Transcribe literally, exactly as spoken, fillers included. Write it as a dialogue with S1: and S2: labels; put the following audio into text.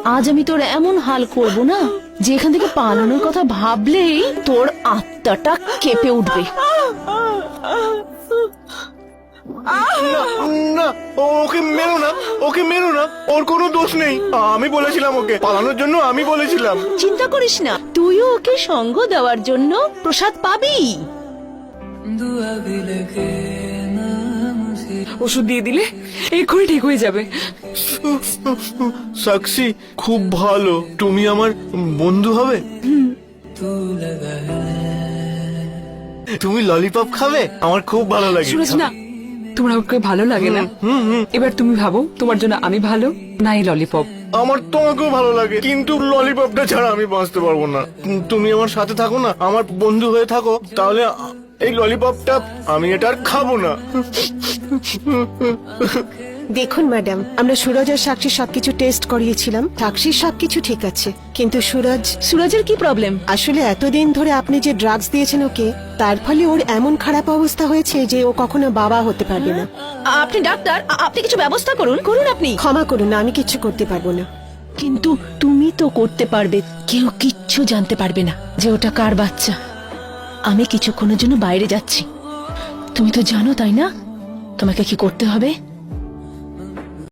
S1: আজ আমি তোর এমন হাল করব না যে এখান থেকে পালানোর কথা ভাবলেই তোর আত্মাটা কেঁপে উঠবে।
S2: না, ওকে মেরো না, ওকে মেরো না, ওর কোনো দোষ নেই। আমি বলেছিলাম ওকে পালানোর জন্য, আমি বলেছিলাম।
S1: চিন্তা করিস না, তুইও ওকে সঙ্গ দেওয়ার জন্য প্রসাদ পাবি।
S3: ওষুধ দিয়ে দিলে এক্ষুনি ঠিক হয়ে যাবে।
S2: সাক্ষী, খুব ভালো। তুমি আমার বন্ধু হবে? তুমি ললিপপ খাবে? আমার খুব ভালো লাগে।
S3: সুরজ, না, তোমার ওকে ভালো লাগে না। এবার তুমি ভাবো তোমার জন্য আমি ভালো না এই ললিপপ?
S2: আমার তোমাকেও ভালো লাগে, কিন্তু ললিপপটা ছাড়া আমি বাঁচতে পারবো না। তুমি আমার সাথে থাকো না, আমার বন্ধু হয়ে থাকো, তাহলে এই ললিপপটা আমি এটা আর খাবো না।
S4: দেখুন ম্যাডাম, আমরা সুরজ আর সাক্ষীর সবকিছু টেস্ট করিয়েছিলাম। সাক্ষীর সবকিছু ঠিক আছে, কিন্তু সুরজ
S1: সুরজের কি প্রবলেম?
S4: আসলে এতদিন ধরে আপনি যে ড্রাগস দিয়েছেন ওকে, তার ফলে ওর এমন খারাপ অবস্থা হয়েছে যে ও কখনো বাবা হতে পারবে না।
S1: আপনি ডাক্তার, আপনি কিছু ব্যবস্থা করুন করুন আপনি।
S4: ক্ষমা করুন, আমি কিচ্ছু করতে পারবো না।
S1: কিন্তু তুমি তো করতে পারবে। কেউ কিচ্ছু জানতে পারবে না যে ওটা কার বাচ্চা। আমি কিছুক্ষণের জন্য বাইরে যাচ্ছি, তুমি তো জানো তাই না তোমাকে কি করতে হবে।